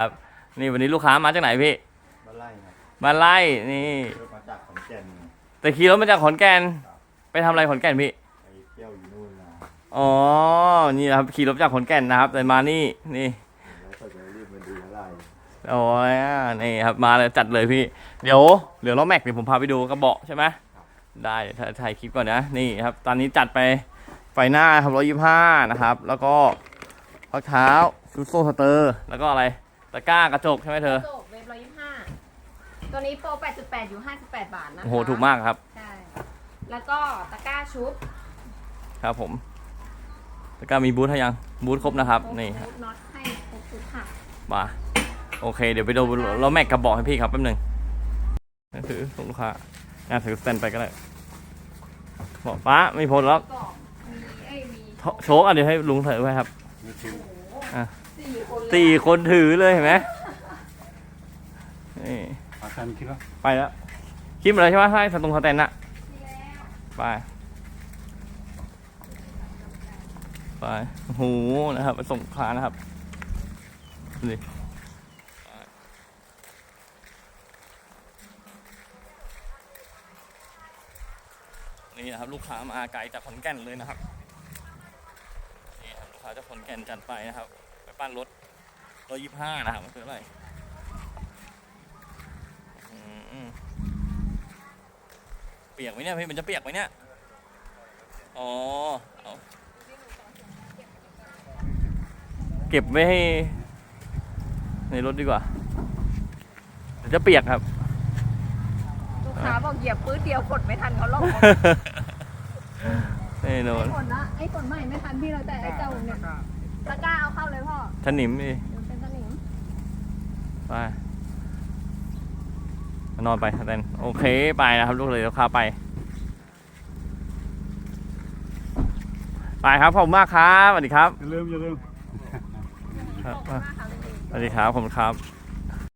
นี่วันนี้ลูกค้ามาจากไหนพี่มาไล่ครับมาไล่นี่มาจากขอนแก่นแต่ขี่รถมาจากขอนแก่นไปทำอะไรขอนแก่นพี่ไปเที่ยวอยู่นู่นนะอ๋อนี่นะครับขี่รถจากขอนแก่นนะครับแต่มานี่แล้วก็จะรีบมาดูอะไรโอ้ยนี่ครับมาเลยจัดเลยพี่เดี๋ยวเหลือล้อแม็กเดี๋ยวผมพาไปดูกระบอกใช่ไหมได้ถ่ายคลิปก่อนนะนี่ครับตอนนี้จัดไปไฟหน้าครับ125นะครับแล้วก็พักเท้าซูโซ่สเตอร์แล้วก็อะไรตะกร้ากระจกใช่ไหมเธอกระจกเวฟ125ตัวนี้โปร 8.8 อยู่ 58 บาทนะคะโอ้โหถูกมากครับใช่แล้วก็ตะกร้าชุบครับผมตะกร้ามีบูทให้ยังบูทครบนะครับนี่บูทน็อตให้ครบทุกค่ะมาโอเคเดี๋ยวไปดูล้อแม็กกระบอกให้พี่ครับแป๊บนึงถือส่งลูกค้าถือสแตนไปก็ได้บอกป้าไม่พ้นแล้วโชคเดี๋ยวให้ลุงถือไว้ครับ4 คนถือเลยเห็นไหมนี่ไปแล้วคลิปอะไรใช่ไหมใช่สตรงสแตนน่ะไปโอ้โหนะครับไปส่งลูกค้านะครับนี่นี่นะครับลูกค้ามาไกลจากขอนแก่นเลยนะครับนี่ครับลูกค้าจากขอนแก่นจัดไปนะครับไปปั้นรถ125นะครับมันคืออะไรเปียกไหมเนี่ยพี่มันจะเปียกไหมเนี่ยอ๋อเอาเก็บไว้ให้ในรถดีกว่าเดี๋ยวจะเปียกครับลูกค้าบอกเหยียบปื้ดเดียวกดไม่ทันเขาลงแน่นอนไอ้ฝนใหม่ไม่ทันพี่เราแต่ไอ้เจ้าเนี่ยตะกร้าเอาเข้าเลยพ่อถนิมดิเป็นถนิมไปนอนไปแตนโอเคไปนะครับลูกเลยลูกค้าไปครับขอบคุณมากครับสวัสดีครับอย่าลืมสวัสดีครับขอบคุณครับ